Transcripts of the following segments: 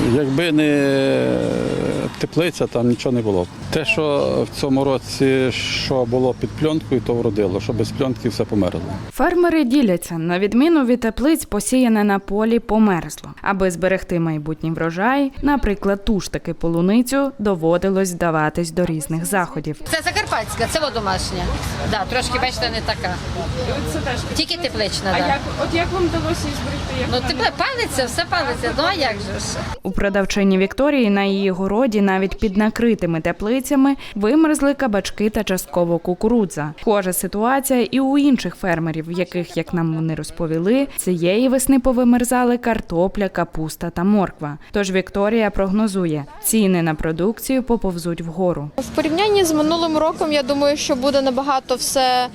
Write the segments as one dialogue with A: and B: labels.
A: Якби не теплиця, там нічого не було б. Те, що в цьому році що було під пленкою, то вродило, що без пленки все померло.
B: Фермери діляться. На відміну від теплиць, посіяне на полі померзло. Аби зберегти майбутній врожай, наприклад, ту ж таки полуницю, доводилось вдаватись до різних заходів.
C: Це закарпатська, це домашня. Да, трошки, бачите, не така.
D: Це теж
C: Тільки теплична,
D: А
C: да.
D: як вам вдалося її зберегти?
C: Ну, тепле палиться, все палиться, ну а як же ж?
B: У продавчині Вікторії на її городі навіть під накритими теплицями вимерзли кабачки та частково кукурудза. Схожа ситуація і у інших фермерів, в яких, як нам вони розповіли, цієї весни повимерзали картопля, капуста та морква. Тож Вікторія прогнозує, ціни на продукцію поповзуть вгору.
E: В порівнянні з минулим роком, я думаю, що буде набагато все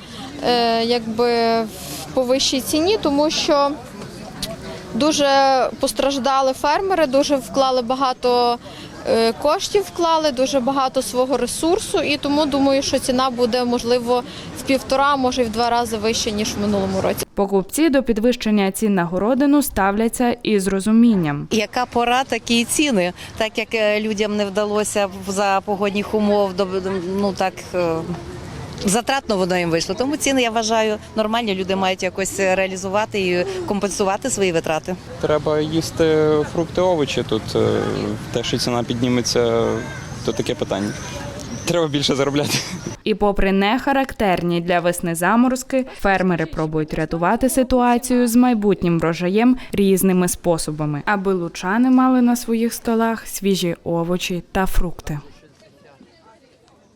E: по вищій ціні, тому що дуже постраждали фермери, дуже вклали багато коштів, дуже багато свого ресурсу, і тому думаю, що ціна буде, можливо, в 1,5, може, і в 2 рази вища, ніж в минулому році.
B: Покупці до підвищення цін на городину ставляться із розумінням.
F: Яка пора, такі ціни. Так як людям не вдалося за погодних умов, затратно воно їм вийшло. Тому ціни, я вважаю, нормальні. Люди мають якось реалізувати і компенсувати свої витрати.
G: Треба їсти фрукти, овочі тут. Те, що ціна підніметься, то таке питання. Треба більше заробляти.
B: І попри нехарактерні для весни заморозки, фермери пробують рятувати ситуацію з майбутнім врожаєм різними способами, аби лучани мали на своїх столах свіжі овочі та фрукти.